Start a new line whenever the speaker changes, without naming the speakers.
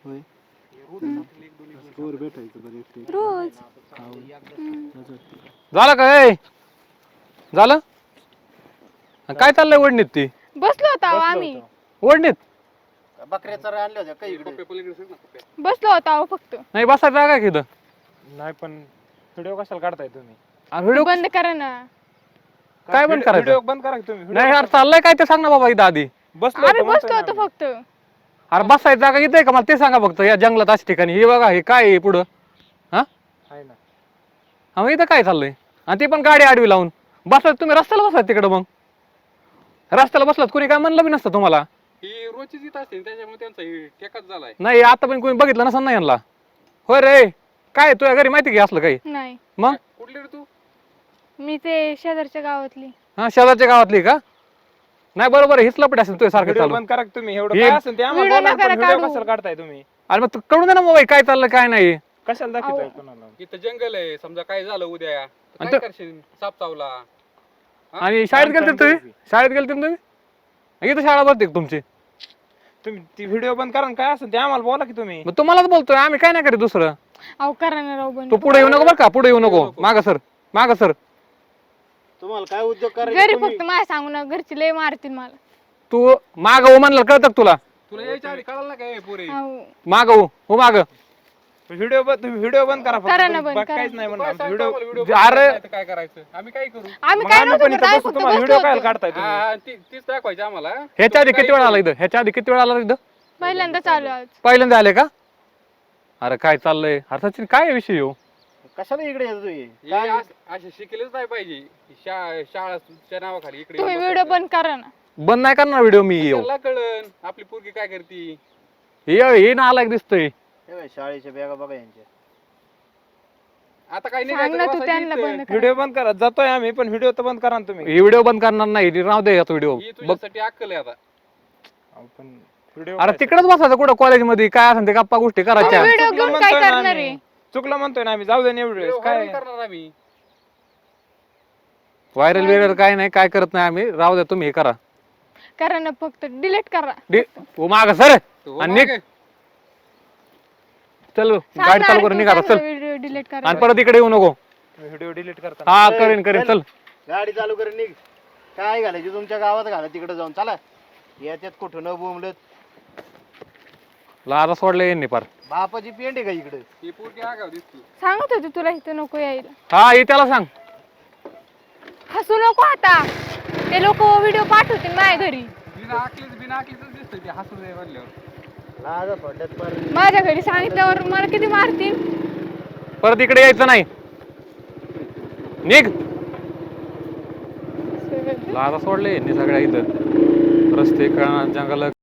होय भेटायचं बरं
रोज
झालं काय झालं काय चाललंय ओढणीत ती
बसलो होतो अहो आम्ही
ओढणीत
बकऱ्याचा आणल्या होत्या काही इकडे
बसलो होतो अहो फक्त
नाही बसायचं जागा की इथं
नाही पण व्हिडिओ कशाला काढताय तुम्ही
व्हिडिओ
बंद करा ना
काय बंद करायचं
व्हिडिओ बंद करा की तुम्ही
नाही यार चाललंय काय ते सांग ना बाबा इथं आधी
बसलो
आम्ही
होतो म्हणतोय
बसलो
ना
होतो
आम्ही.
फक्त
अरे बसायचं जागा इथं आहे का मला ते सांगा फक्त या जंगलात अशा ठिकाणी हे बघा हे काय आहे पुढं हा
आहे ना
मग इथं काय चाललंय आणि ती पण गाडी आडवी लावून बसलात तुम्ही रस्त्याला बसलात तिकडं मग रस्त्याला बसलात कोणी काय म्हणलं बी नसतं तुम्हाला
ही रोजचीच येत असते त्याच्यामुळे त्यांचा टेकाच झालाय.
नाही आता पण कोणी बघितलं नसं नाही यांना होय रे काय तुझ्या घरी माहिती की असलं काही
नाही
मग
कुठली रे तू?
मी ते शेजारच्या गावातली
हा शेजारच्या गावातली का नाही बरोबर हीच लपट असेल तुझ्या सारखं
व्हिडिओ
चालू
बंद करा की तुम्ही एवढं
हे-
काय असेल ते आम्हाला
व्हिडिओ
बोला,
नका
पण व्हिडिओ
काढू.
कशाला काढताय तुम्ही
अरे मग तू कळून दे ना मोबाईल काय चाललं काय नाही
कशाला दाखवताय
अहो.
कोणाला
इथं जंगल आहे समजा काय झालं उद्या तर
आणि
काय
तो-
करशील साप चावला.
आणि शाळेत गेलते तुम्ही शाळेत गेलते ना तुम्ही इथं शाळा भरते का तुमची
तुम्ही ती व्हिडिओ बंद करा आणि काय असेल ते आम्हाला बोला की तुम्ही
मग तुम्हालाच बोलतोय आम्ही काय नाही करीत दुसरं
अहो करा ना राव बंद
तू पुढे येऊ नको बरं का पुढे येऊ नको माग सर माग सर
तुम्हाला काय उद्योग
घरी
करायचे
फक्त माझ्या सांगू ना घरची लय मारतील मला
तू माग हो म्हणलं कळतं का तुला
तुला यायच्या आधी कळालं ना काय पुरे
अहो
माग हो माग
व्हिडिओ तुम्ही व्हिडिओ बंद करा
करा ना
फक्त
बंद,
बाकी
करा.
काहीच नाही
काय
म्हणणार
सांगतो
व्हिडिओ
आम्हाला
अरे-
व्हिडिओ काय करायचं आम्ही काय करू.
आम्ही
मग
काय
आम्ही
नव्हतं
पण
करत,
इथं
आम्ही
बसू
फक्त
तुम्हाला
बसलो
व्हिडिओ काय
होतो.
काढताय तुम्ही
हा, तीच दाखवायची आम्हाला.
ह्याच्या आधी
तुम्ही
किती वेळा
काय
आला इथं ह्याच्या आधी किती वेळा आला इथं
पहिल्यांदा चालू आज
पहिल्यांदा आले का अरे काय चाललंय अरे सचिन काय विषय हो
कशाला इकडे येतो हे?
हे
काय
असे शिकलेच नाही पाहिजे शाळाच्या नावाखाली इकडे
तुम्ही
येऊन
व्हिडिओ
बसायचं.
बंद करा ना
बंद नाही करणार व्हिडिओ मी येऊ
त्याला कळन आपली पोरगी काय करती.
हे ना आला दिसतोय
हे बघ, शाळेच्या बॅगा बघा यांच्या
आता काय
सांग ना तू त्यांना बंद करा
व्हिडिओ बंद करा जातोय आम्ही पण व्हिडिओ तर बंद करा ना तुम्ही
हे व्हिडिओ बंद करणार नाही राहू दे याचा व्हिडिओ
ही
बघ
तुझ्यासाठी अक्कल आहे आता.
अहो, पण व्हिडिओ
अरे तिकडेच बसायचं कुठं कॉलेजमध्ये काय असेल ते गप्पा गोष्टी करायच्या
व्हिडिओ
चुकलं
घेऊन काय
म्हणतोय ना
करणार
आम्ही.
आहे
चुकलं म्हणतोय ना आम्ही जाऊ दे ना एवढे
व्हिडिओ
काय
व्हायरल करणार आम्ही.
व्हायरल बिरल काय नाही काय करत नाही आम्ही राहू द्या तुम्ही हे करा
करा ना फक्त डिलीट करा
हो माग सर
तो
आणि
मागे.
निघ. चल गाडी चालू करून निघा चल
व्हिडिओ डिलीट करा
आणि परत इकडे येऊ नको
व्हिडिओ डिलीट करता
हा करेन करेन चल
गाडी चालू करून निघ काय घालायची तुमच्या गावात घाला तिकडे जाऊन चला याच्यात कुठं न बोंबलत
लाजा सोडले यांनी पार
बापाची पेंड आहे का इकडे
ही पोरगी आगाव दिसती.
सांगत होते तुला इथं नको यायला
हा हे त्याला सांग
हसू नको आता ते लोक व्हिडिओ पाठवतील माझ्या घरी
बिना आकलीच दिसतंय ते हसू दे म्हणल्यावर.
लाजा पडल्यात पर
माझ्या घरी सांगितल्यावर मला किती मारतील
परत इकडे यायचं नाही निघ लाजा सोडले यांनी सगळ्या इथं रस्ते जंगल